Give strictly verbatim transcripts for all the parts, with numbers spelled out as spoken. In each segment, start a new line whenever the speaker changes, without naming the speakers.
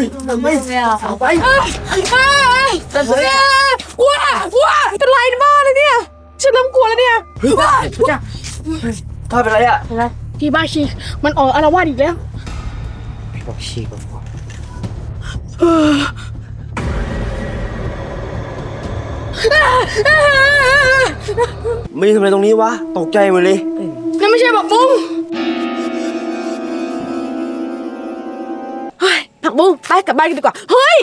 ฮ้ยไม่เอาไป
แต่เฮ้ยว้าว้าเป็นไรบ้าเลยเนี่ยฉันเริ่มกลัวแล้วเนี่ยว้าจ้ะ
ถ้าเป็นไรอ่ะ
พี่บ้าชีมันออกอารวาสอีกแล้ว
พี่บ้าชีก่อนไม่ทำอะไรตรงนี้วะตกใจหมดเลย
นั่นไม่ใช่ผักบุ้งเฮ้ยผักบุ้งไปกลับบ้านกันดีกว่าเฮ้ย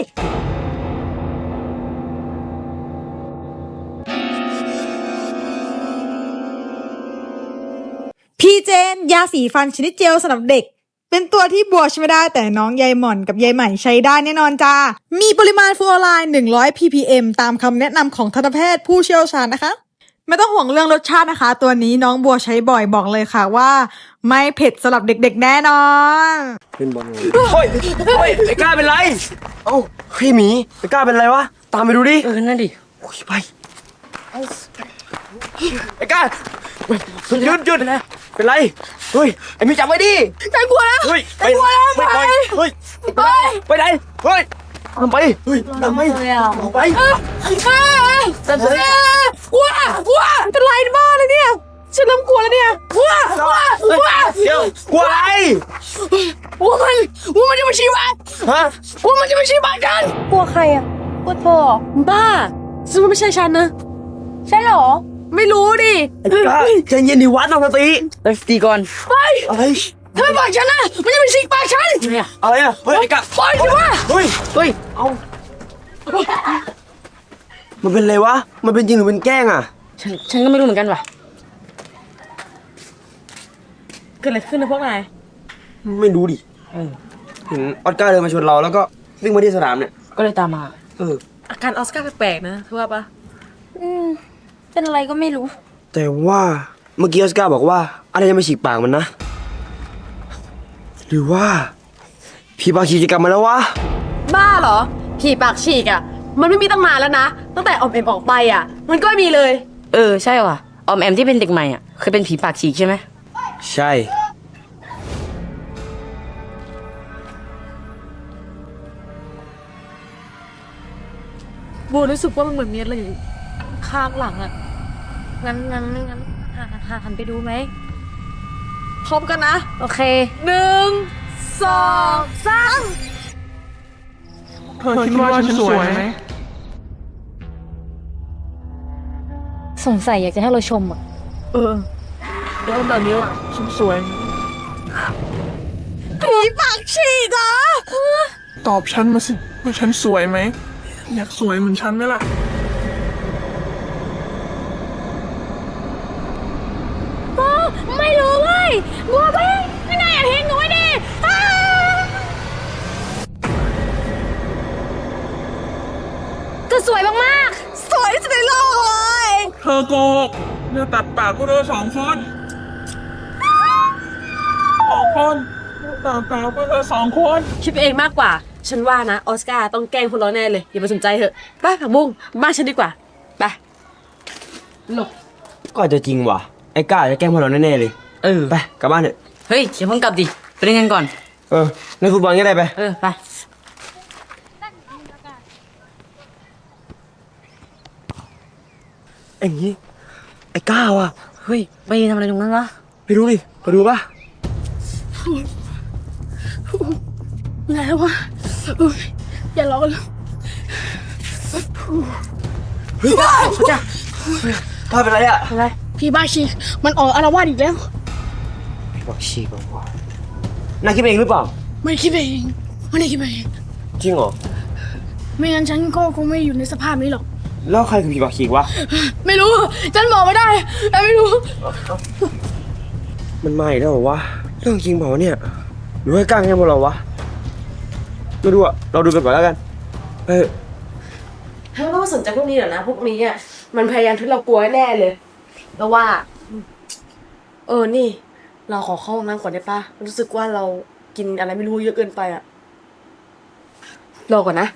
พี่เจนยาสีฟันชนิดเจลสำหรับเด็กเป็นตัวที่บัวใช้ไม่ได้แต่น้องยายหม่อนกับยายใหม่ใช้ได้แน่นอนจ้ามีปริมาณฟลูออไรด์หนึ่งร้อย พี พี เอ็ม ตามคำแนะนำของทันตแพทย์ผู้เชี่ยวชาญนะคะไม่ต้องห่วงเรื่องรสชาตินะคะตัวนี้น้องบัวใช้บ่อยบอกเลยค่ะว่าไม่เผ็ดสำหรับเด็กๆแน่นอน
เป็นบอลเลยเฮ้ยเฮ้ยไอ้ก้าเป็นไรเอ้าพี่หมีไอ้ก้าเป็นไรวะตามไปดูดิ
เออนั่นดิ
โอ้ยไปไอ้ก้าหยุดหยุดเป็นไรเฮ้ยไอ้มีจับไว้ดิ
ฉันกลัวแล้ว
เฮ้ย
ฉันกลัวแล้ว
ไปไปเฮ้ยไปไปไหนเฮ้ยทำไปเฮ้ยทำไปไป
แต่เฮ้ยว้าว้าเป็นไรบ้าเลยเนี่ยฉันเริ่มกลัวแล้วเนี่ยว้าว้าว้า
เดี๋ยวกลัวอะไร
ว่ามันว่ามันจะมาชี้บ้าน
ฮะ
ว่ามันจะมาชี้บ้านกัน
กลัวใครอ่ะกลัวเธอ
บ้าซึ่งมันไม่ใช่ฉันนะ
ใช่หรอ
ไม่รู้ดิ
ไอ้ก้าใจเย็นดิวัดตั้งสติ
ตั้งสติก่อนไป
อะไร
เธอบอกฉันนะมันจะมาชี้ปากฉัน
อะไรอ่ะเฮ้ยไอ้ก้า
ปล่อยสิวะ
เฮ้ย
เฮ้ย
เอามันเป็นอะไรวะมันเป็นจริงหรือเป็นแกล้งอ่ะ
ฉันฉันก็ไม่รู้เหมือนกันว่ะเกิดอะไรขึ้นนะพวกนาย
ไม่รู้ดิเห็นออสการ์เดินมาชนเราแล้วก็วิ่งมาที่สนามเนี่ย
ก็เลยตามมา
เออ
อาการออสการ์แปลกๆนะเธอว่าปะ
อืมเป็นอะไรก็ไม่รู้
แต่ว่าเมื่อกี้ออสการ์บอกว่าอะไรจะมาฉีกปากมันนะหรือว่าผีปากฉีกจะกลับมาแล้ววะ
บ้าเหรอผีปากฉีกอ่ะมันไม่มีตั้งนานแล้วนะตั้งแต่ออมแอมออกไปอ่ะมันก็ไม่มีเลย
เออใช่ว่ะออมแอมที่เป็นเด็กใหม่อ่ะเคยเป็นผีปากฉีกใช่ไหม
ใช่
โบรู้สึกว่ามันเหมือนมีอะไรอยู่ข้างหลังอ่ะ
งั้นงั้นงั้นหาหาหันไปดูไหม
พร้อมกันนะ
โอเค
หนึ่งสองสาม
เธอคิดว่าฉันสวยไหม
สงสัยอยากจะให้เราชมอ่ะ
เออแล้วแบบนี้ฉันสวย
ผีปากฉีกเหรอ
ตอบฉันมาสิว่าฉันสวยไหมอยากสวยเหมือนฉันไหมล่ะ
ไม่รู้เว้ยบัวไปไม่นายอย่าทิ้งหนูไว้ดิก็สวยมาก
ๆสวยที่สุดในโลกเลย
เธอโกหกเนี่ยตัดปากพวกเธอสองคนสองคนตัดปากพวกเธอสองคน
คิดเองมากกว่าฉันว่านะออสการ์ต้องแกล้งพวกเราแน่เลยอย่าไปสนใจเถอะไปผักบุ้งบ้านฉันดีกว่าไปหลบ
ก็อาจจะจริงว่ะไอ้ก้าจะแกล้งพวกเราแน่ๆเลย
เออ
ไปกลับบ้านเถอะ
เฮ้ยอย่าเพิ่งกลับดิไปเล่นกันก่อน
เออเล่นฟุตบอลก็ได้ไป
เออไป
ไอ้งี้ไอ้ก้าวอ่ะ
เฮ้ยไปทำอะไรตรงนั้นวะ
ไปดูดิไปดูป่ะ
ไงวะอย่าร้องเลย
เฮ้ยจ้าถ้าเป็นไรอ่ะ
อะไรพี่บ้าชีมันออกอารวาสอีกแล้ว
พี่บ้าชีบอกว่าน่าคิดเองหรือเปล่า
ไม่คิดเองไม่ได้คิดเอง
จริงเหรอ
ไม่งั้นฉันก็คงไม่อยู่ในสภาพนี้หรอก
แล้วใครคือผีปากฉีกวะ
ไม่รู้ฉันบอกไม่ได้แต่ไม่รู้
มันมาอีกแล้วเหรอวะเรื่องจริงเปล่าวะเนี่ยหรือว่าก้างแค่พวกเราวะไม่รู้อะเราดูกันก่อนแล้วกันเออ
เธอไม่ต้องสนใจพวกนี้หรอกนะพวกนี้อ่ะมันพยายามทุบเรากลัวแน่เลยแล้วว่าเออนี่เราขอเข้าห้องน้ำก่อนได้ปะรู้สึกว่าเรากินอะไรไม่รู้เยอะเกินไปอะรอก่อนนะ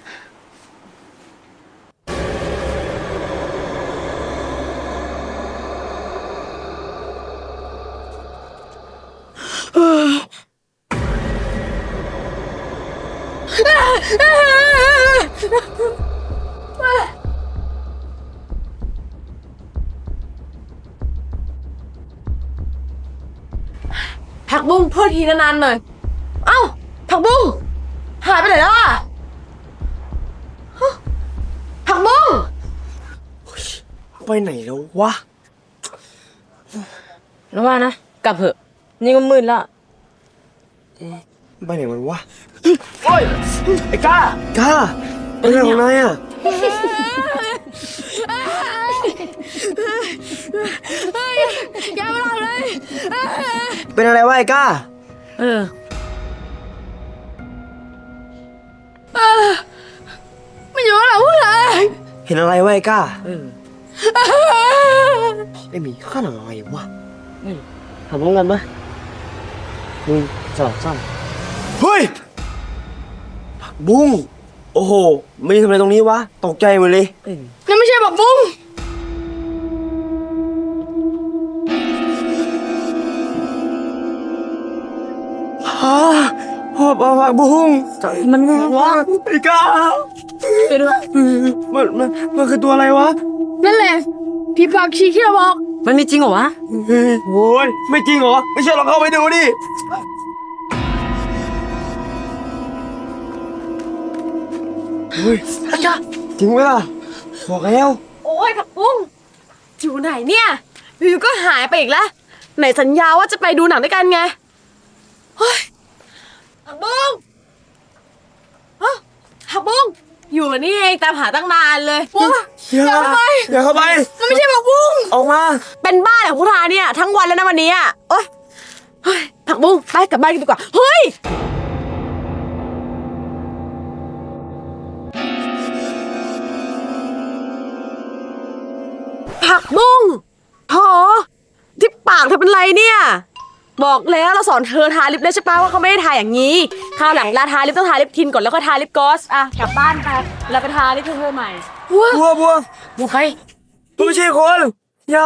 ผักบุ้งโทษทีนานๆหน่อย เอ้า ผักบุ้งหายไปไหนแล้วอ่ะฮะผักบุ้ง
ไปไหนแล้ววะ
แล้วว่านะ กลับเถอะ นี่ก็มืดแล้ว
ไปไหนมันวะโอ้ยไอ้ก้าก้าเป็นอะไรของนายอ่ะ
แกไม่รอดเลย
เป็นอะไรวะไอ้ก้า
เออ
ไม่อยู่แล้วพูดเลย
เห็นอะไรวะไอ้ก้า
เออ
ไอ้หมีข้าหนังอะไรวะทำพร้อมกันปะหนึ่งสองสามเฮ้ยผักบุ้งโอ้โหไม่ได้ทำอะไรตรงนี้วะตกใจหมดเลย
นั่นไม่ใช่ผักบุ้ง
ฮะหอบเอาผักบุ้งมันไงวะไอ้ก้า
ไปด้วย
มันมันมันคือตัวอะไรวะ
นั่นแหละผีปากฉีกที่เราบอก
มันมีจริงเหรอวะ
เฮ้ยโว้ยไม่จริงเหรอไม่เชื่อลองเข้าไปดูดิเฮ้ยจริงไหมล่ะบอกแล้ว
โอ้ยผักบุ้งอยู่ไหนเนี่ยอยู่ๆก็หายไปอีกแล้วไหนสัญญาว่าจะไปดูหนังด้วยกันไงเฮ้ยผักบุ้งฮะผักบุ้งอยู่นี่เองตามหาตั้งนานเลยว้า
อย่าเข้าไปอย่าเข้าไป
มันไม่ใช่ผักบุ้ง
ออกมา
เป็นบ้าเหรอพุทธาเนี่ยทั้งวันแล้วนะวันนี้อ่ะโอ๊ยเฮ้ยผักบุ้งไปกลับบ้านกันดีกว่าเฮ้ยผักบุ้งโหที่ปากเธอเป็นไรเนี่ยบอกแล้วเราสอนเธอทาลิปแล้วใช่ปะว่าเขาไม่ได้ทาอย่างนี้คราวหลังเวลาทาลิปต้องทาลิปทินก่อนแล้วก็ทาลิปกลอสอ่ะกลับบ้านไปแล้วไปทาลิปเธอใหม่ว้า
บัวบัว
บุกใคร
ตัวไม่ใช่คนอย่า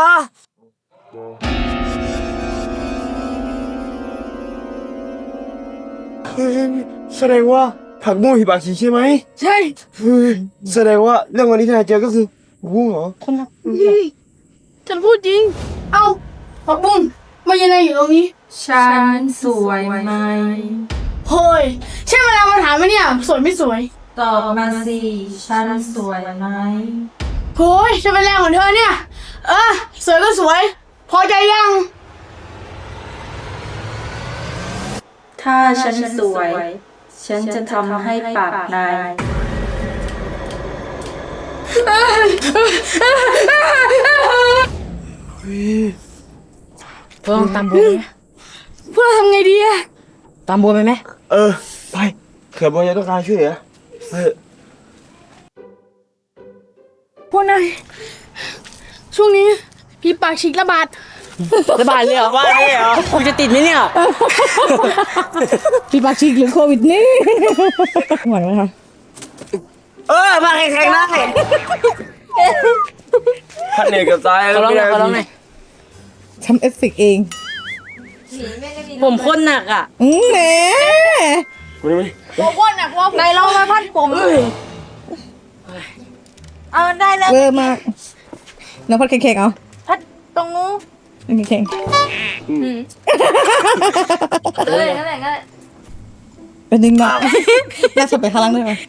เฮ้ยแสดงว่าผักบุ้งหิบากฉีใช่ไหม
ใช่
เฮ้ยแสดงว่าเรื่องวันนี้ที่นายเจอก็คือผักบุ้งเหรอ
ฉันพูดจริง เอ้าผักบุ้งมายังไงอยู่ตรงนี้
ฉันสวยไหม
เฮ้ยใช่เวลามาถามไหมเนี่ยสวยไม่สวย
ตอบมาสิ ฉันสวยไหม
โฮ้ยจะเป็นแรงของเธอเนี่ย เออสวยก็สวย พอใจยัง
ถ้าฉันสวย ฉันจะทำให้ปากนาย
เพื่อลองตามบัวไหม
พวกเราทำไงดีอะ
ตามบัวไปไหม
เออไปเผื่อบัวจะต้องการช่วยเหลือเออ
พวกนายช่วงนี้ผีปากฉีกระบาด
ระบาดเลยเหรอว่าเลยเหรอคุณจะติดไหมเนี่ย
พี่ปากฉีกหรือโควิดนี่ หวังไหมคะ
เออมาแข่งๆได้พันเนกกับซ้าย
ขอร้องหน่อยขอร้องหน่อย
ทำเอฟเฟกต์เอง
ผมโคนหนักอ่ะ
อืมแหม
มาดิมาดิ
อ้วนอ่ะนายลองมาพัดผม เอาได้แล้ว
เวอร์มากน้องพัดเค้กๆเอา
พัดตรงนู้น
เค้ก
เออนั่นแหละนั่นแหละ
ๆเป็นดึงมาน่าสบไปข้างล่างด้วยไหม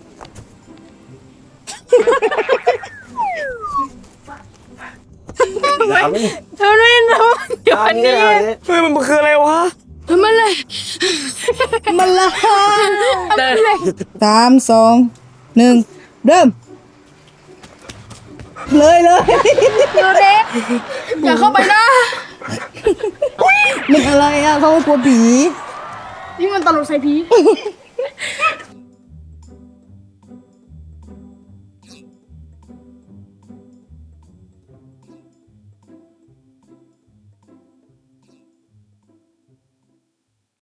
ถามดิ
เธอไม่รู้เดี๋ยว
ถาม
วัน
ดิ
นี้
เฮ้ยมันคืออะไรวะ
มันเลย
มันละ
เดิน
สามสองหนึ่งเริ่ม เลยเลย
อยู่เด็กอย่าเข้าไปนะ
มันอะไรอ่ะเขากลัวผี
นี่มันตลกใส่ผี